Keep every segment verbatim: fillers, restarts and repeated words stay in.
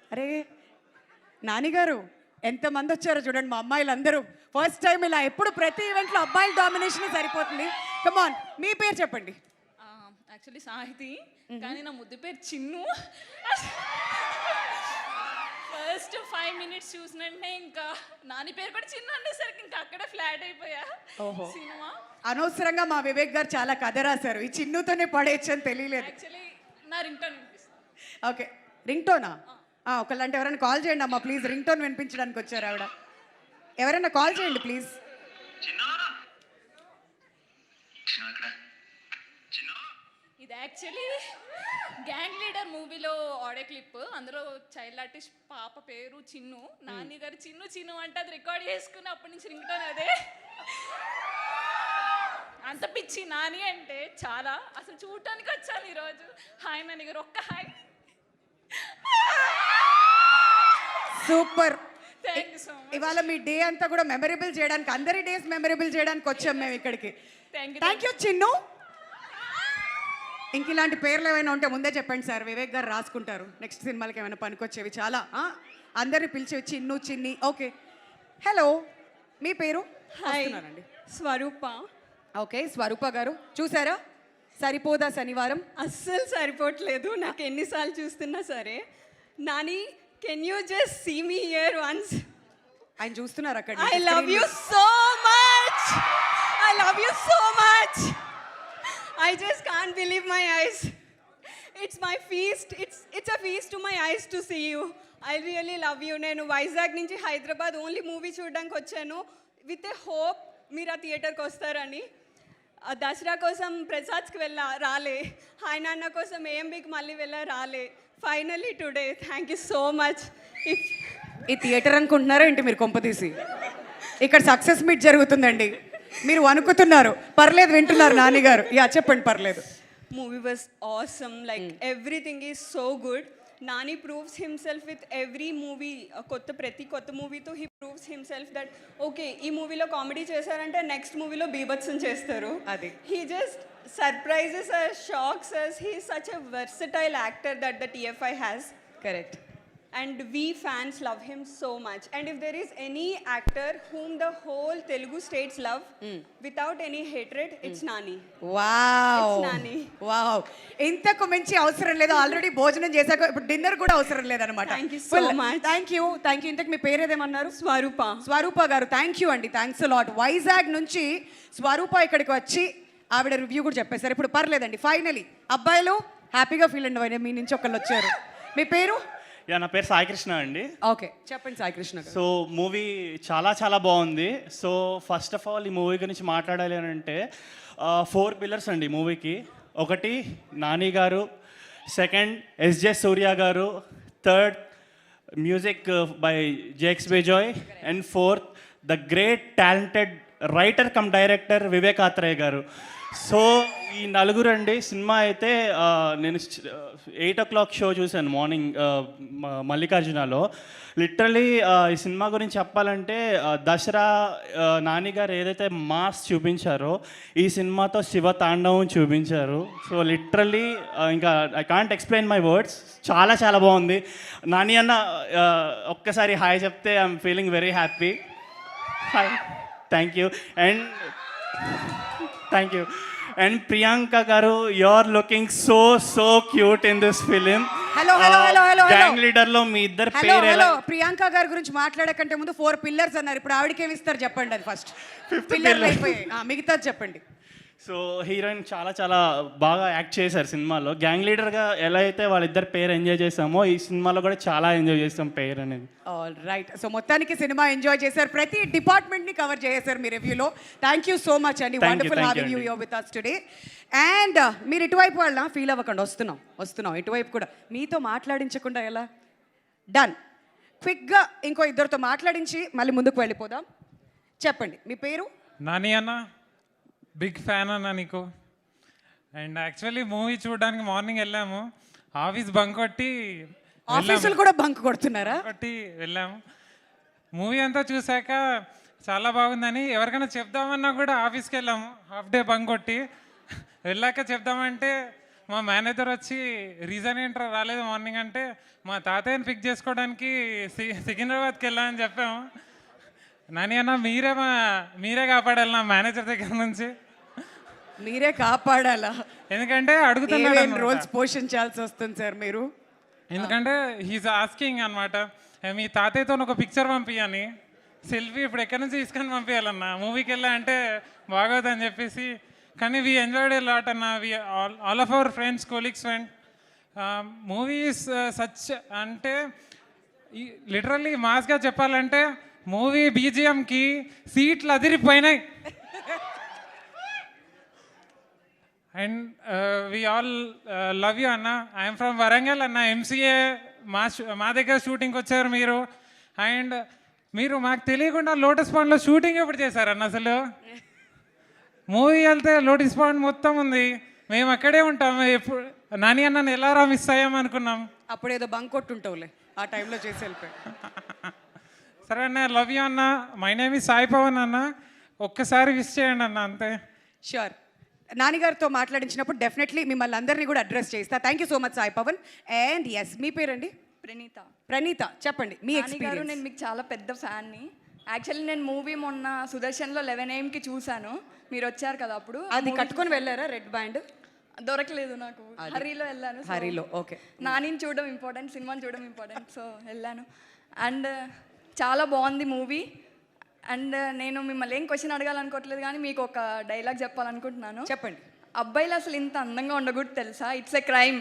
అరే నానిగారు ఎంతమంది వచ్చారో చూడండి మా అమ్మాయిలు అందరూ ఫస్ట్ టైం ఇలా ఎప్పుడు ప్రతి ఈవెంట్లో అబ్బాయిల డామినేషన్ సరిపోతుంది. కమాన్ మీ పేరు చెప్పండి. యాక్చువల్లీ సాహితి, కానీ నా ముద్దు పేరు చిన్ను. ఫస్ట్ ఫైవ్ మినిట్స్ చూసినంటే ఇంకా నాని పేరు కూడా చిన్ను అనేసరికి ఇంకా అక్కడే ఫ్లాట్ అయిపోయా. ఓహో సినిమా అనవసరంగా మా వివేక్ గారు చాలా కథ రాశారు, ఈ చిన్నుతోనే పడేయచ్చు అని తెలియలేదు. యాక్చువల్లీ నా రింగ్ టోన్ వినిపిస్తుంది. ఓకే రింగ్ టోనా? ఒకళ్ళంటే ఎవరైనా కాల్ చేయండి అమ్మా ప్లీజ్, రింగ్ టోన్ వినిపించడానికి వచ్చారు ఆవిడ. ఎవరైనా కాల్ చేయండి ప్లీజ్. ఇది యాక్చువల్లీ గ్యాంగ్ లీడర్ మూవీలో ఆడియో క్లిప్. అందులో చైల్డ్ ఆర్టిస్ట్ పాప పేరు చిన్ను. నాని గారు చిన్ను చిన్ను అంటే అది రికార్డ్ చేసుకుని అప్పటి నుంచి రింగ్ టోన్ అదే. అంత పిచ్చి నాని అంటే చాలా. అసలు చూడటానికి వచ్చాను ఈరోజు. హాయ్ నాని గారు, ఒక్క hi. Super. Thank you so much. ఇవాళ మీ డే అంతా కూడా మెమరబుల్ చేయడానికి, అందరి డేస్ మెమరబుల్ చేయడానికి వచ్చాం మేము ఇక్కడికి. Thank you thank you Chinnu. ఇంక ఇలాంటి పేర్లు ఏమైనా ఉంటే ముందే చెప్పండి సార్, వివేక్ గారు రాసుకుంటారు నెక్స్ట్ సినిమాలకి ఏమైనా పనికొచ్చేవి. చాలా అందరిని పిలిచేవి చిన్ను చిన్ని. ఓకే హలో మీ పేరు? హాయ్ స్వరూప. ఓకే స్వరూప గారు చూసారా సరిపోదా శనివారం? అస్సలు సరిపోవట్లేదు నాకు ఎన్నిసార్లు చూస్తున్నా సరే. Nani can you just see me here once? ఆయన చూస్తున్నారు అక్కడ. I love you so much, I love you so much. I just can't believe my eyes. It's my feast. It's it's a feast to my eyes to see you. I really love you. నేను వైజాగ్ నుంచి Hyderabad only movie చూడడానికి వచ్చాను with a hope మీరు ఆ థియేటర్కి వస్తారని. దసరా కోసం ప్రసాద్కి వెళ్ళా రాలే, హాయ్ నాన్న కోసం ఏఎంబీకి మళ్ళీ వెళ్ళా రాలే. Finally today thank you so much. If ఈ థియేటర్ అనుకుంటున్నారా ఏంటి మీరు కొంపతీసి? ఇక్కడ సక్సెస్ మీట్ జరుగుతుందండి, మీరు అనుకుతున్నారు. పర్లేదు వింటున్నారు నాని గారు. యా చెప్పండి పర్లేదు. Movie was awesome, like everything is so good. Nani proves himself with every movie. కొత్త ప్రతి కొత్త మూవీతో he proves himself that okay ఈ మూవీలో కామెడీ చేశారంటే నెక్స్ట్ మూవీలో బీభత్సం చేస్తారు. అది he just surprises us, shocks us. He is such a versatile actor that the TFI has. Correct. And we fans love him so much. And if there is any actor whom the whole Telugu states love mm. without any hatred, mm. it's Nani. Wow. It's Nani. Wow. ఇంతకు మించి అవసరం లేదు. Already భోజనం చేశాక ఇప్పుడు dinner కూడా అవసరం లేదన్నమాట. Thank you so much. Thank you thank you. ఇంతకు మీ పేరు ఏదేమన్నారు? స్వరూప. స్వరూప గారు థ్యాంక్ యూ అండి, థ్యాంక్స్ లాట్. వైజాగ్ నుంచి స్వరూప ఇక్కడికి వచ్చి ఆవిడ రివ్యూ కూడా చెప్పేశారు. ఇప్పుడు పర్లేదండి, ఫైనలీ అబ్బాయిలు హ్యాపీగా ఫీల్ అండి మీ నుంచి ఒకళ్ళు వచ్చారు. మీ పేరు? యా నా పేరు సాయి కృష్ణ అండి. ఓకే చెప్పండి సాయి కృష్ణ గారు. సో మూవీ చాలా చాలా బాగుంది. సో ఫస్ట్ ఆఫ్ ఆల్ ఈ మూవీ గురించి మాట్లాడాలి అని అంటే ఫోర్ పిల్లర్స్ అండి మూవీకి. ఒకటి నాని గారు, second SJ Surya garu, third music by Jakes Bejoy, and fourth the great talented writer cum director Vivek Athreya garu. So ఈ నలుగురు అండి. సినిమా అయితే నేను ఎయిట్ ఓ క్లాక్ షో చూశాను మార్నింగ్ మల్లికార్జునలో. లిటరలీ ఈ సినిమా గురించి చెప్పాలంటే దసరా నాని గారు ఏదైతే మాస్ చూపించారో ఈ సినిమాతో శివ తాండవం చూపించారు. సో లిటరలీ ఇంకా I can't explain my words. చాలా చాలా బాగుంది. నాని అన్న ఒక్కసారి హాయ్ చెప్తే I'm feeling very happy. Hi thank you. And thank you. And Priyanka garu, you are looking so so cute in this film. Hello hello hello hello gang leader లో మీ ఇద్దరు పేరు హలో. ప్రియాంక గారి గురించి మాట్లాడకంటే ముందు ఫోర్ పిల్లర్స్ అన్నారు, ఇప్పుడు ఆవిడకి ఏమి ఇస్తారు చెప్పండి. అది ఫస్ట్ పిల్లర్లు అయిపోయాయి, మిగతాది చెప్పండి. సో హీరోయిన్ చాలా చాలా బాగా యాక్ట్ చేశారు సినిమాలో. గ్యాంగ్ లీడర్గా ఎలా అయితే వాళ్ళిద్దరు పేరు ఎంజాయ్ చేసామో ఈ సినిమాలో కూడా చాలా ఎంజాయ్ చేస్తాం పేరు అనేది. All right. సో మొత్తానికి సినిమా ఎంజాయ్ చేశారు, ప్రతి డిపార్ట్మెంట్ని కవర్ చేశారు మీ రివ్యూలో. థ్యాంక్ యూ సో మచ్ అండి. Wonderful having you here with us today. And మీరు ఇటువైపు వాళ్ళ ఫీల్ అవ్వకండి, వస్తున్నాం వస్తున్నాం ఇటువైపు కూడా. మీతో మాట్లాడించకుండా ఎలా? డన్. క్విక్గా ఇంకో ఇద్దరితో మాట్లాడించి మళ్ళీ ముందుకు వెళ్ళిపోదాం. చెప్పండి మీ పేరు? నాని అన్న, బిగ్ ఫ్యాన్ అన్న నీకు. అండ్ యాక్చువల్లీ మూవీ చూడడానికి మార్నింగ్ వెళ్ళాము, ఆఫీస్ బంక్ కొట్టి ఆఫీసులు కూడా బంక్ కొడుతున్నారా? కొట్టి వెళ్ళాము. మూవీ అంతా చూసాక చాలా బాగుందని ఎవరికైనా చెప్దామన్నా కూడా ఆఫీస్కి వెళ్ళాము హాఫ్ డే బంక్ కొట్టి. వెళ్ళాక చెప్దామంటే మా మేనేజర్ వచ్చి రీజన్ ఏంట్రా రాలేదు మార్నింగ్ అంటే మా తాతయ్యని పిక్ చేసుకోవడానికి సి సికింద్రాబాద్కి వెళ్ళామని చెప్పాము. నాని అన్న మీరే మా మీరే కాపాడాలి నా మేనేజర్ దగ్గర నుంచి, మీరే కాపాడాలా? ఎందుకంటే అడుగుతున్నాడు ఏమేం అన్నమాట. రోల్స్ పోషించాల్సి వస్తుంది సార్ మీరు? ఎందుకంటే హీస్ ఆస్కింగ్ అనమాట, మీ తాతయ్యతో ఒక పిక్చర్ పంపించని, సెల్ఫీ ఇప్పుడు ఎక్కడి నుంచి తీసుకొని పంపించాలన్న, మూవీకి వెళ్ళా అంటే బాగోదని చెప్పేసి. కానీ వీ ఎంజాయ్డ్ ఏ లాట్ అన్న, we all all of our friends colleagues friend. Movies such అంటే లిటరల్లీ మాస్గా చెప్పాలంటే మూవీ బీజిఎంకి సీట్లు అదిరిపోయినాయి. And we all love you అన్న. ఐఎమ్ ఫ్రమ్ వరంగల్ అన్న, ఎంసీఏ మా షూ- మా దగ్గర షూటింగ్కి వచ్చారు మీరు. అండ్ మీరు మాకు తెలియకుండా లోటస్ పాండ్లో షూటింగ్ ఎప్పుడు చేశారన్న? అసలు మూవీ వెళ్తే లోటస్ పాండ్ మొత్తం ఉంది, మేము అక్కడే ఉంటాం. ఎప్పుడు నాని అన్నని ఎలా రా మిస్ అయ్యాం అనుకున్నాం. అప్పుడేదో బంక్ కొట్టుంటావులే, ఆ టైంలో చేసి వెళ్ళిపోయి. సరే అన్న, లవ్ యూ అన్న. My name is Sai Pawan అన్న, ఒక్కసారి విష్ చేయండి అన్న అంతే. షూర్. నాన్నగారితో మాట్లాడించినప్పుడు డెఫినెట్లీ మిమ్మల్ని అందరినీ కూడా అడ్రస్ చేస్తా. Thank you so much Sai Pavan. And yes, మీ పేరండి? ప్రణీత. ప్రణీత, చెప్పండి మీ నాని గారు, ఎక్స్పీరియన్స్. నేను మీకు చాలా పెద్ద ఫ్యాన్ని. యాక్చువల్లీ నేను మూవీ మొన్న సుదర్శన్లో లెవెన్ ఏఎంకి చూశాను, మీరు వచ్చారు కదా అప్పుడు. అది కట్టుకొని వెళ్ళారా రెడ్ బ్యాండ్? దొరకలేదు నాకు, హరీలో వెళ్ళాను. So, హరిలో ఓకే. నానిని చూడడం ఇంపార్టెంట్, సినిమాని చూడడం ఇంపార్టెంట్, సో వెళ్ళాను. అండ్ చాలా బాగుంది మూవీ. అండ్ నేను మిమ్మల్ని ఏం క్వశ్చన్ అడగాలనుకోవట్లేదు, కానీ మీకు ఒక డైలాగ్ చెప్పాలనుకుంటున్నాను. చెప్పండి. అబ్బాయిలు అసలు ఇంత అందంగా ఉండకూడదు తెలుసా, it's a crime.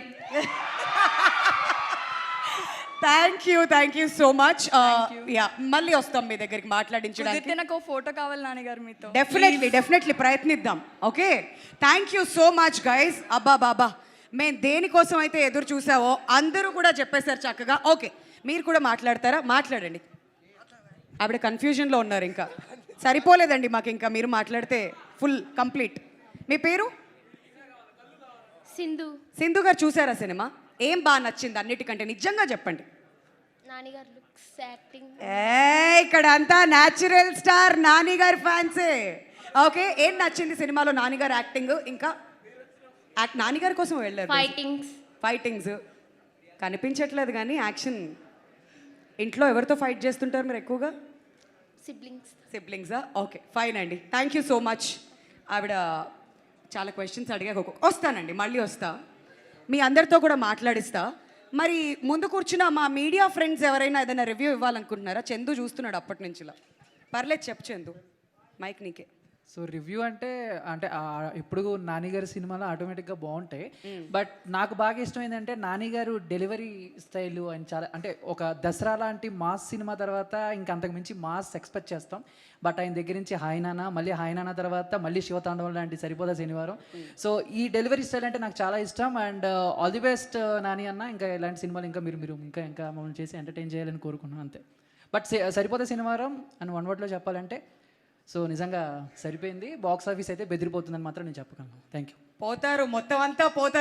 Thank you, thank you so much. Yeah, మళ్ళీ వస్తాం మీ దగ్గరికి మాట్లాడించడానికి. కుదిరితే నాకు ఫోటో కావాలి నాన్నగారు మీతో. డెఫినెట్లీ డెఫినెట్లీ ప్రయత్నిద్దాం. Okay, thank you so much guys. అబ్బా బాబా, మేము దేనికోసం అయితే ఎదురు చూసావో అందరూ కూడా చెప్పేశారు చక్కగా. ఓకే, మీరు కూడా మాట్లాడతారా? మాట్లాడండి. ఆవిడ కన్ఫ్యూజన్లో ఉన్నారు, ఇంకా సరిపోలేదండి మాకు, ఇంకా మీరు మాట్లాడితే ఫుల్ కంప్లీట్. మీ పేరు? సింధు. సింధు గారు, చూసారా సినిమా? ఏం బాగా నచ్చింది అన్నిటికంటే? నిజంగా చెప్పండి. నానిగారు లుక్స్, యాక్టింగ్. ఏ ఇక్కడ అంతా న్యాచురల్ స్టార్ నాని గారి ఫ్యాన్సే. ఓకే, ఏం నచ్చింది సినిమాలో? నాని గారి యాక్టింగ్, ఇంకా యాక్ట్ నాని గారి కోసం వెళ్ళారు. ఫైటింగ్స్. ఫైటింగ్స్ కనిపించట్లేదు కానీ యాక్షన్. ఇంట్లో ఎవరితో ఫైట్ చేస్తుంటారు మీరు ఎక్కువగా? సిబ్లింగ్స్. సిబ్లింగ్సా? ఓకే, ఫైన్ అండి. Thank you so much. ఆవిడ చాలా క్వశ్చన్స్ అడిగాక ఒక- వస్తానండి, మళ్ళీ వస్తా, మీ అందరితో కూడా మాట్లాడిస్తా. మరి ముందు కూర్చున్న మా మీడియా ఫ్రెండ్స్ ఎవరైనా ఏదైనా రివ్యూ ఇవ్వాలనుకుంటున్నారా? చందు చూస్తున్నాడు అప్పటి నుంచిలా. పర్లేదు, చెప్పు చందు, మైక్ నీకే. సో రివ్యూ అంటే అంటే ఆ ఇప్పుడు నాని గారి సినిమాలో ఆటోమేటిక్గా బాగుంటాయి. బట్ నాకు బాగా ఇష్టం ఏంటంటే నాని గారు డెలివరీ స్టైల్ ఆయన చాలా, అంటే ఒక దసరా లాంటి మాస్ సినిమా తర్వాత ఇంకా అంతకు మించి మాస్ ఎక్స్పెక్ట్ చేస్తాం. బట్ ఆయన దగ్గర నుంచి హాయ్ నాన్న, మళ్ళీ హాయ్ నాన్న తర్వాత మళ్ళీ శివతాండవం లాంటి సరిపోదా శనివారం. సో ఈ డెలివరీ స్టైల్ అంటే నాకు చాలా ఇష్టం. And all the best Nani అన్న. ఇంకా ఇలాంటి సినిమాలు ఇంకా మీరు మీరు ఇంకా ఇంకా మమ్మల్ని చేసి ఎంటర్టైన్ చేయాలని కోరుకున్నాను అంతే. బట్ సరిపోదా శనివారం అని వన్ వర్డ్లో చెప్పాలంటే సో నిజంగా సరిపోయింది. బాక్స్ ఆఫీస్ అయితే బెదిరిపోతుందని మాత్రం నేను చెప్పగలను. Thank you. పోతారు, మొత్తం అంతా పోతారు.